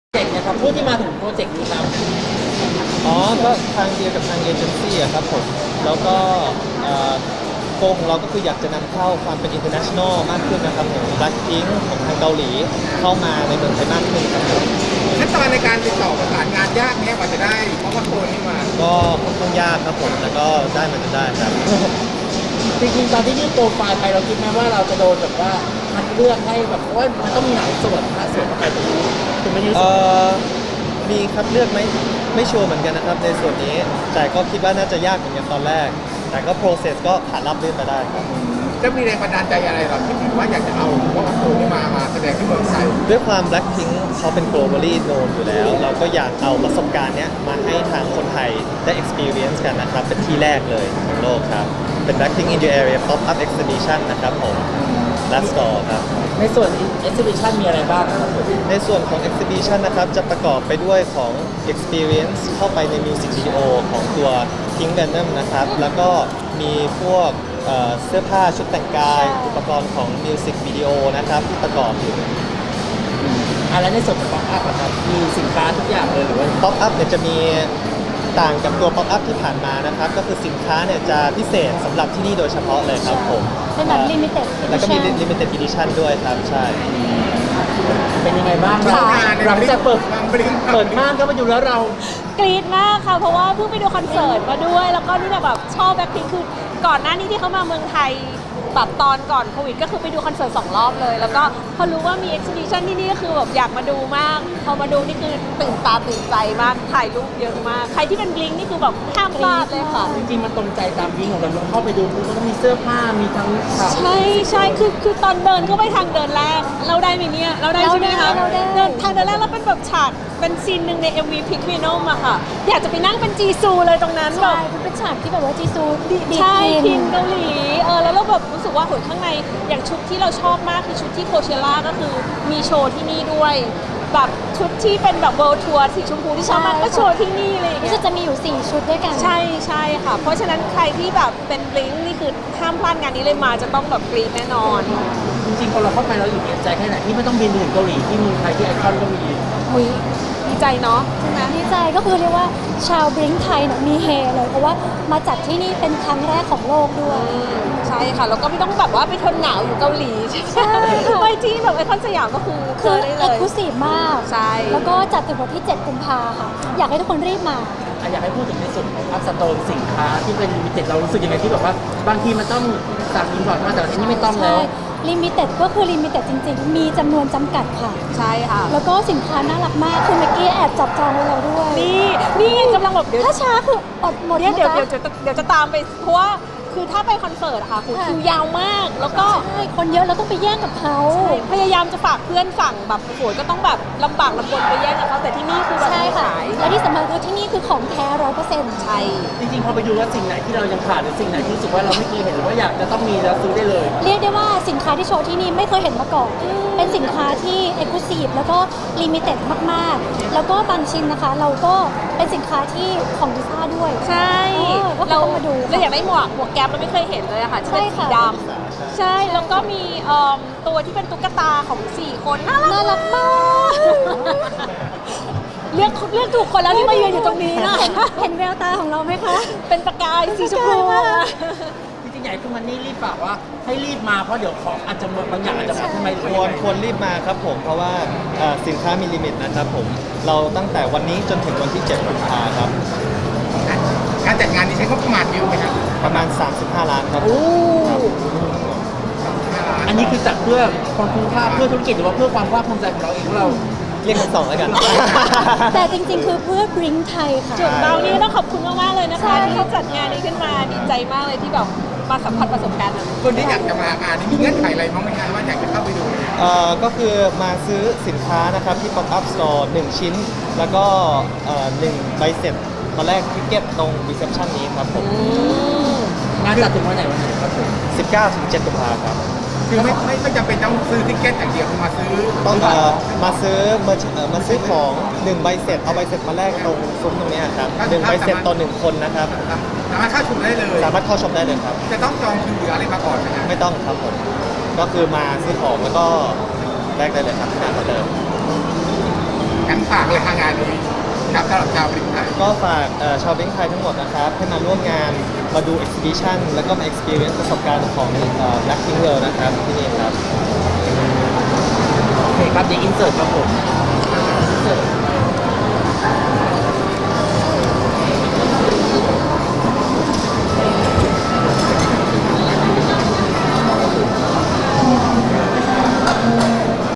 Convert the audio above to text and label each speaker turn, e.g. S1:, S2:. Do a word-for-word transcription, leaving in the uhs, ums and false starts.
S1: เจกต์นะครับผู้ที่มาถึงโปรเจกต์นี้ครับ
S2: อ๋อก็ทางเดียวกับทางเอเจนซี่อะครับผมแล้วก็โกของเราก็คืออยากจะนำเข้าความเป็น international มากขึ้นนะครับของ Blackpink ของทางเกาหลีเข้ามาในเมืองไทยมากขึ้นครับผม
S3: ขั้นตอนในการติดต่อประสานงานยากไหมกว่าจะได้เพราะว่าโคนนี้มา
S2: ก็ค่อนข้างยากครับผมแต่ก็ได้มันจะได้ครับ
S1: จริงๆตอนที่ยื่นโปรไฟล์ไปเราคิดไหมว่าเราจะโดนแบบว่าคัดเลือกให้แบบว่ามันต้องมีหลายส่วนนะส่วนเข้าไปตรงนี้คุณไม่ยืดส่วน
S2: มีคัดเลือกไหมไม่ชัวร์เหมือนกันนะครับในส่วนนี้แต่ก็คิดว่าน่าจะยากเหมือนกันตอนแรกแต่ก็ process ก็ผ่านรับรื่นไปได้ครับ
S3: จะมีแรงบันดาลใจอะไรหรอที่ถึงว่าอยากจะเอาว่าโคนนี้มามาแสดงที่เมืองไทย
S2: ด้วยความ Blackpink เขาเป็น globally known อยู่แล้วเราก็อยากเอาประสบการณ์เนี้ยมาให้ทางคนไทยได้ experience กันนะครับเป็นที่แรกเลยของโลกครับเป็น Blackpink in your area pop up exhibition นะครับผมและสตอร์ครับ
S1: ในส่วน exhibition มีอะไรบ้างครับ
S2: ในส่วนของ exhibition นะครับจะประกอบไปด้วยของ experience เข้าไปใน music video ของตัว Pink Venom นะครับแล้วก็มีพวกเสื้อผ้าชุดแต่งกายอุปกรณ์ของ music video นะครับที่ประกอบอยู่
S1: อะไรในส่วนของ pop up ครับมีสินค้าทุกอย่างเลยหรือว่า
S2: pop up เนี่ยจะมีต่างกับตัว pop up ที่ผ่านมานะครับก็คือสินค้าเนี่ยจะพิเศษสำหรับที่นี่โดยเฉพาะเลยครับผม
S4: เป็นแบบ limited edition
S2: แล้วก็มี limited edition ด้วยครับใช่
S1: เป็นยังไงบ้างเราหลังจากเปิดเปิดม่านก็มาอยู่แล้วเรา
S4: กรี๊ดมากค่ะเพราะว่าเพิ่งไปดูคอนเสิร์ตมาด้วยแล้วก็นี่แบบชอบแบ็คพิงค์คือก่อนหน้านี้ที่เขามาเมืองไทยแบบตอนก่อนโควิดก็คือไปดูคอนเสิร์ตสองรอบเลยแล้วก็พอรู้ว่ามีเอ็กซิบิชันที่นี่ก็คือแบบอยากมาดูมากพอมาดูนี่คือตื่นตาตื่นใจมากถ่ายรูปเยอะมากใครที่เป็นบลิงนี่คือแบบห้ามพลาดเลยค่ะ
S1: จริงๆมันตรงใจตามบลิงของเราเข้าไปดูมันต้องมีเสื้อผ้ามีทั้ง
S4: ใช่ใช่คือคือตอนเดินเข้าไปทางเดินแรกเราได้ไหมเนี่ยเราได้ใช่ไหมคะเดินทางเดินแรกแล้วเป็นแบบฉากเป็นซีนหนึ่งใน เอ็ม วี Pink Venom อะค่ะอยากจะไปนั่งเป็นจีซูเลยตรงนั้นแบบ
S5: เป็นฉากที่แบบว่าจีซู
S4: ใช่พินเกาหลีเออแล้วเราแบบรู้สึกว่าหุ่นข้างในอย่างชุดที่เราชอบมากคือชุดที่โคเชล่าก็คือมีโชว์ที่นี่ด้วยแบบชุดที่เป็นแบบเวิลด์ทัวร์สีชมพูที่ชอบมากก็โชว์ที่นี่เลย
S5: นี่จะมีอยู่สี่ชุดด้วยกัน
S4: ใช่ใช่ค่ะเพราะฉะนั้นใครที่แบบเป็นบลิงนี่คือห้ามพลาดงานนี้เลยมาจะต้องแบบกรี๊ดแน่นอน
S1: จริงๆพอเราเข้าไปเราอยู่ใจแค่ไหนที่ไม่ต้องบินถึงเกาหลีที่เมืองไทยที่ไอคอนก็มี
S4: อุ้ยดีใจเนาะใช่ไหม
S5: ดีใจก็คือเรียกว่าชาวบลิงไทยเนี่ยมีเฮเลยเพราะว่ามาจัดที่นี่เป็นครั้งแรกของโลกด้วย
S4: ใช่ค่ะแล้วก็ไม่ต้องแบบว่าไปทนหนาวอยู่เกาหลีใช่ไปที่แบบไอคอนสยามก็คือ
S5: คือเอ็กซ์คลูซีฟมาก
S4: ใช่
S5: แล้วก็จัดถึงวันที่เจ็ดกุมภาค่ะอยากให้ทุกคนรีบมา
S1: อยากให้พูดถึงในส่วนของอัพสโตนสินค้าที่เป็นลิมิเต็ดเรารู้สึกยังไงที่แบบว่าบางทีมันต้องสั่งอินพอร์ตมาแต่ที่นี่ไม่ต้องแล้ว
S5: ลิมิเต็ดก็คือลิมิเต็ดจริงๆมีจำนวนจำกัดค่ะ
S4: ใช่ค่ะ
S5: แล้วก็สินค้าน่ารักมากคือเมื่อกี้แอบจับจองไว้เราด้วย
S4: นี่นี่กำลังแบบเดี๋ยว
S5: ถ้าช้าคืออดหมด
S4: เดี๋ยวเดี๋ยวเดี๋ยวเดี๋ยวจะตามไปเพราะว่าคือถ้าไปคอนเสิร์ตค่ะคือคิวยาวมากแล้วก็
S5: ใช่คนเยอะแล้วต้องไปแย่งกับเขา
S4: พยายามจะฝากเพื่อนสั่งแบบโหยก็ต้องแบบลำบากลำบนไปแย่งกับเขาแต่ที่นี่คือแบบ
S5: ใช่ค่ะและที่สำคัญคือที่นี่คือของแท้ร้อยเปอร์เซ็นต์
S4: ใช่
S1: จริงๆพอไปดูว่าสิ่งไหนที่เรายังขาดหรือสิ่งไหนที่รู้สึกว่าเราไม่เคยเห็นหรือว่าอยากจะต้องมีแล้วซื้อได้เลย
S5: เรียกได้ว่าสินค้าที่โชว์ที่นี่ไม่เคยเห็นมาก่อนเป็นสินค้าที่เอ็กซ์คลูซีฟแล้วก็ลิมิเต็ดมากๆแล้วก็บางชิ้นนะคะเราก็เป็นสินค้าที่ของดิซ่าด้วย
S4: ใช่
S5: เราต้องมาดู
S4: เราอยากได้หมวกหมวกแก๊ปเราไม่เคยเห็นเลยอะค่ะที่เป็นสีดำใช่แล้วก็มีตัวที่เป็นตุ๊กตาของสี่คนน่ารัก
S5: น่ารักมาก
S4: เลือกเลือกถูกคนแล้วที่มายืนอยู่ตรงนี้นะ
S5: เห็นแววตาของเราไหมคะ
S4: เป็นประกายสีชมพู
S1: จริงๆใหญ่คือมันนี่รีบฝากว่าให้รีบมาเพราะเดี๋ยวของอาจจะบางอย่างอาจจะมาทำไม
S2: ควรควรรีบมาครับผมเพราะว่าสินค้ามีลิมิตนะครับผมเราตั้งแต่วันนี้จนถึงวันที่เจ็ดกุมภาพันธ์ครับ
S3: การจัดงานนี้ใช้งบประมาณเยอะไหมครับ
S2: ประมาณสามสิบห้าล้านครับ
S1: อันนี้คือจัดเพื่อความคุ้มค่าเพื่อธุรกิจหรือว่าเพื่อความภาคภูมิใจของเราเองของเรา
S2: เรียกกันสองแล้วกัน
S5: แต่จริงๆคือเพื่อบริงไทยค่ะ
S4: จุดเรานี่ต้องขอบคุณมากๆเลยนะคะที่จัดงานนี้ขึ้นมาดีใจมากเลยที่แบบมาสัมผัสประสบการณ์
S3: คนที่อยากจะมางานนี้มีเงื่อนไขอะไรบ้างไหมคะว่าอยากจะเข้าไปดู
S2: เอ่อก็คือมาซื้อสินค้านะครับที่ Pop Up Store หนึ่งชิ้นแล้วก็หนึ่งใบเสร็จตอนแรกทิเก็ตตรงรีเซพชันนี้ครับผม
S1: งานจัดถึงวันไหนวันไหนครับผม
S2: สิบเก้าถึงเจ็ดกุมภาพันธ์ครับ
S3: คือไม่ไม่ไม่จำเป็นต้องซื้อทิเก็ตอย่างเดียวมาซื้อ
S2: ต้องเอ่อมาซื้อมามาซื้อของหนึ่งใบเสร็จเอาใบเสร็จมาแลกตรงซุ้มตรงนี้ครับหนึ่งใบเสร็จต่อหนึ่งคนนะครับ
S3: สามารถเข้าชมได้เลย
S2: สามารถเข้าชมได้เลยครับ
S3: จะต้องจองคิวหรืออะไรมาก่อนไหมครับ
S2: ไม่ต้องครับผมก็คือมาซื้อของแล้วก็แลกได้เลยครับที่หน้าเคาน์เตอร์
S3: งั้นฝากเลยทางงานนี้ครับสำหรับชาวบริษัท
S2: ก็ฝากเอ่อชาวเบ้งไทยทั้งหมดนะครับ ให้มาร่วมงานมาดู exhibition แล้วก็มา experience ประสบการณ์ของเอ่อ Black Pink World นะครับที่นี่ครับ
S1: โอเคครับเดี๋ยวอินเสิร์ตครับผมอินเสิร์ต